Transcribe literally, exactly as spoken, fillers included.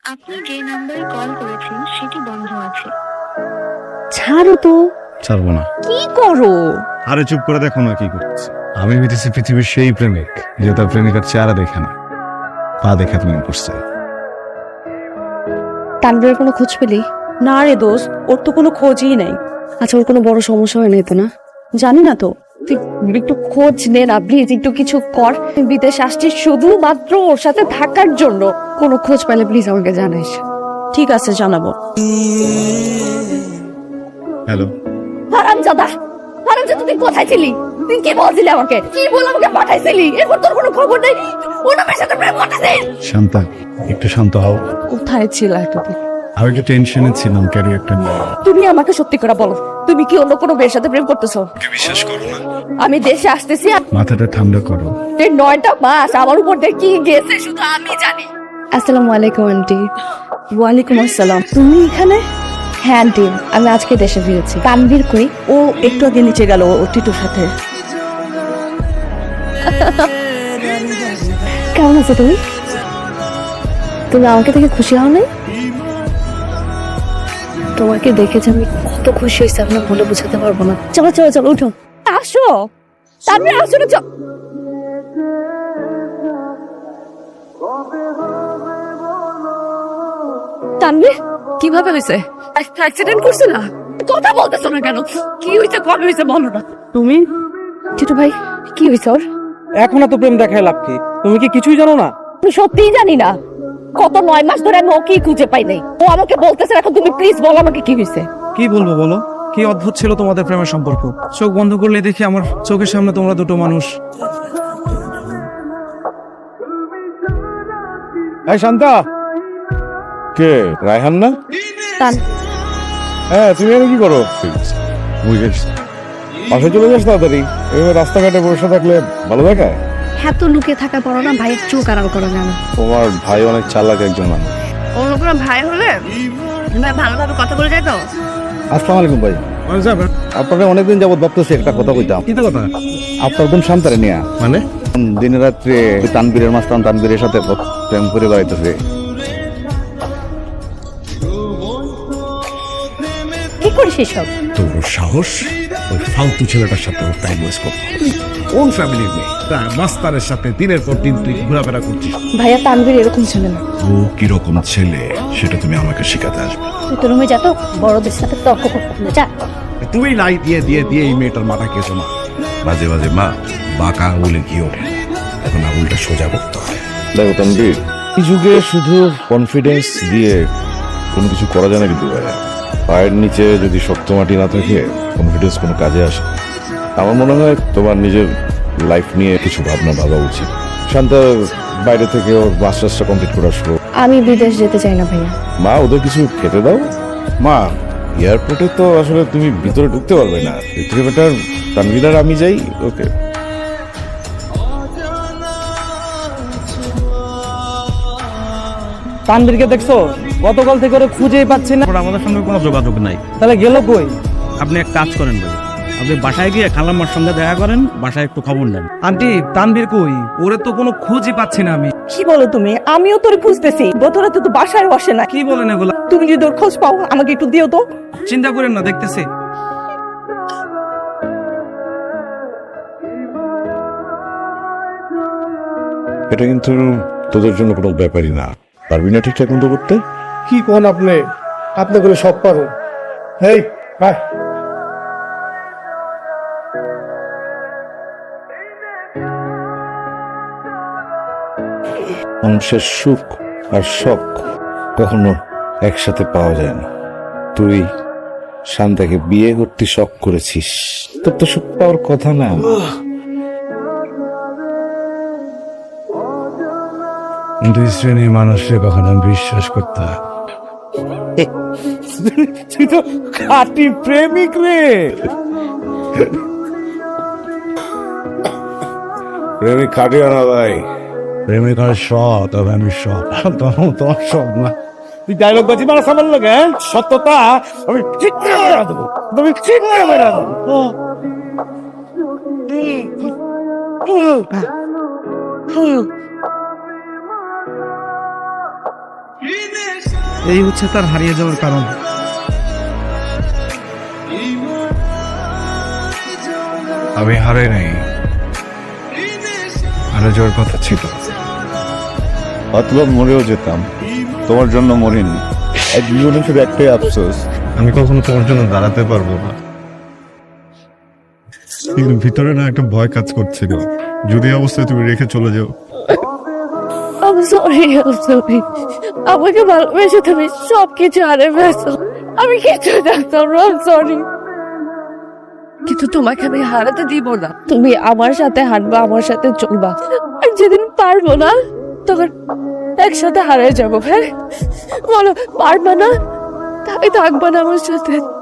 আপনি যে নাম্বারে কল করেছেন সেটি বন্ধ আছে। ছাড়ো তো। ছাড়বো না। কি করো? আরে চুপ করে দেখো না কি করছে। আমি হইতেছি পৃথিবীর সেই প্রেমিক যে তার প্রেমিকার চেহারা দেখে না, পা দেখে প্রেম করছে। তানভীরের কোনো খোঁজ পেলি? না রে দোস্ত, ওর তো কোনো খোঁজই নাই। আচ্ছা, ওর কোনো বড় সমস্যা হয় নাই তো না? জানি না তো। তুই একটু খোঁজ নে না প্লিজ, একটু কিছু কর। বিদেশ আসছিস শুধুমাত্র ওর সাথে থাকার জন্য। কোনো খোঁজ পেলে প্লিজ আমাকে জানাইস। ঠিক আছে, জানাবো। হ্যালো, হারামজাদা, হারামজাদা, তুই কোথায় ছিলি? তুই কি বলছিলি আমাকে? কি বল আমাকে পাঠাইছিলি? এরপর তোর কোনো খবর নেই? ওর মেয়ের সাথে প্রেম করতেছিস? শান্তা একটু শান্ত হও। কোথায় ছিল এতদিন? আমি একটু টেনশনে ছিলাম ক্যারিয়ারটা নিয়ে। তুমি আমাকে সত্যি করে বলো, তুমি কি অন্য কোনো মেয়ের সাথে প্রেম করতেছো? বিশ্বাস করো না। আমি দেশে আসতেছি আর মাথাটা ঠান্ডা করো। এই নয়টা মাস আমার উপর দিয়ে কি গেছে শুধু আমি জানি। আসসালামু আলাইকুম আন্টি। ওয়ালাইকুম আসসালাম। তুমি এখানে? হ্যাঁ আন্টি, আমি আজকে দেশে ফিরেছি। তানভীর কই? ও একটু আগে নিচে গেল ও টিটুর সাথে। কেমন আছো তুমি? তুমি আমাকে দেখে খুশি হও নাই? তোমাকে দেখেছি আমি কত খুশি হয়েছি আপনার বলে বোঝাতে পারবো না। চলো চলো চলো, উঠো, আসো তানভীর, আসো না। চল তানভীর, কিভাবে হয়েছে? অ্যাক্সিডেন্ট করছে না? কথা বলতেছো না কেন? কি হয়েছে, কবে হয়েছে বলো না। তুমি টিটু ভাই, কি হয়েছে ওর? এখন এত প্রেম দেখায় লাভ কি? তুমি কি কিছুই জানো না? আমি সত্যিই জানি না। কত নয় মাস ধরে আমি ওকেই খুঁজে পাই নাই। ও আমাকে বলতেছে, এখন তুমি প্লিজ বলো আমাকে কি হয়েছে। কি বলবো বলো? কি অদ্ভুত ছিল তোমাদের প্রেমের সম্পর্ক। চোখ বন্ধ করলে দেখি আমার চোখের সামনে তোমরা দুটো মানুষ। এই শান্তা, কে রায়হান না? তান, হ্যাঁ, তুমি এখানে কি করো? বাসায় চলে যাস তাড়াতাড়ি। এভাবে রাস্তাঘাটে বসে থাকলে ভালো দেখায়? হ্যাঁ তো লুকিয়ে থাকার পরও না ভাইয়ের চোখ আড়াল করা যায় না। তোমার ভাই অনেক চালাক একজন মানুষ। অন্য কোনো ভাই হলে ভাই ভালোভাবে কথা বলে যায় তো। আসসালামু আলাইকুম ভাই। আপনারা অনেকদিন যাবত ভাবতেছি একটা কথা কইতাম। কি কথা? আপনার বোন শান্তারে নিয়ে মানে দিনে রাত্রে তানবীরের মাস্তান তানবীরের সাথে প্রেম করে বেড়াইতেছে। কি করিস এসব? তোর সাহস ওই ফালতু ছেলেটার সাথে ওর টাইম ওয়েস্ট করতে? কোন ফ্যামিলির মেয়ে তার মাস্টারের সাথে দিনের পর দিন তুই ঘোরাফেরা করছিস? ভাইয়া তানভীর এরকম ছিল না। ও কিরকম ছেলে সেটা তুমি আমাকে শেখাতে আসবে। তুই তো রুমে যা তো, বড়দের সাথে তর্ক করতে হবে, যা। তুই লাই দিয়ে দিয়ে দিয়ে এই মেয়েটার মাথা খেয়েছো মা। মাঝে মাঝে মা বাঁকা আঙুলে ঘি ওঠে, এখন আঙুলটা সোজা করতে হয়। দেখো তানবীর, এই যুগে শুধু কনফিডেন্স দিয়ে কোনো কিছু করা যায় না কিন্তু ভাইয়া। পায়ের নিচে যদি শক্ত মাটি না থাকে কনফিডেন্স কোনো কাজে আসে না। আমার মনে হয় তোমার নিজের লাইফ নিয়ে কিছু ভাবনা ভাবা উচিত। শান্তা বাইরে থেকে ওর মাস্টার্সটা কমপ্লিট করে আসলো। আমি বিদেশ যেতে চাই না ভাইয়া। মা, ওদের কিছু খেতে দাও। মা, এয়ারপোর্টে তো আসলে তুমি ভিতরে ঢুকতে পারবে না। এর থেকে বেটার তানভীর আর আমি যাই। ওকে। তানবীরকে দেখছো? গতকাল থেকে ওরা খুঁজেই পাচ্ছি না। আমাদের সঙ্গে কোনো যোগাযোগ নাই। তাহলে গেল কই? আপনি এক কাজ করেন ভাই, আপনি বাসায় গিয়ে খালাম্মার সঙ্গে দেখা করেন, বাসায় একটু খবর নেন। আন্টি, তানবীর কই? ওরে তো কোনো খুঁজই পাচ্ছি না আমি। কি বলো তুমি? আমিও তোর খুঁজতেছি। গতরাতে তো বাসায় বসে না। কি বলেন এগুলা? তুমি যদি ওর খোঁজ পাও আমাকে একটু দিও তো। চিন্তা করেন না, দেখতেছি। এটা কিন্তু তোদের জন্য কোনো ব্যাপারই না। পারবি না ঠিকঠাক মতো করতে? কি কোন আপনি আপনি করে সব পারো। এই আয়। মানুষের সুখ আর শখ কখনো একসাথে পাওয়া যায় না। তুই শান্তাকে বিয়ে করতে শখ করেছিস, তোর তো সুখ পাওয়ার কথা না। দুই শ্রেণীর মানুষকে কখনো আমি বিশ্বাস করতে হয়। তুই তো খাঁটি প্রেমিক রে। প্রেমিক খাটিও না ভাই। প্রেমিক হয় সৎ, তবে আমি সৎ। তখন তোমার সৎ না। তুই ডায়লগ বাজি মারা সামান লাগে। সত্যতা আমি ঠিক করে বেড়া দেবো, তুমি ঠিক করে বেড়া দেবো। এই হচ্ছে তার হারিয়ে যাওয়ার কারণ। আমি হারাই নাই, হারা যাওয়ার কথা ছিল। অথবা মরেও যেতাম, তোমার জন্য মরিনি। এক জীবনে শুধু একটাই আফসোস, আমি কখনো তোমার জন্য দাঁড়াতে পারবো না। কিন্তু ভিতরে না একটা ভয় কাজ করছিল, যদি এই অবস্থায় তুমি রেখে চলে যাও। I'm sorry, I'm sorry. আমাকে ভালোবেসে তুমি সব কিছু হারিয়ে ফেলছো। আমি কিছু জানতাম না, I'm sorry. কিন্তু তোমাকে আমি হারাতে দিব না। তুমি আমার সাথে হাঁটবা, আমার সাথে চলবা। আর যেদিন পারবো না তখন একসাথে হারিয়ে যাবো। হ্যাঁ বলো, পারবা না? তাই থাকবা না আমার সাথে।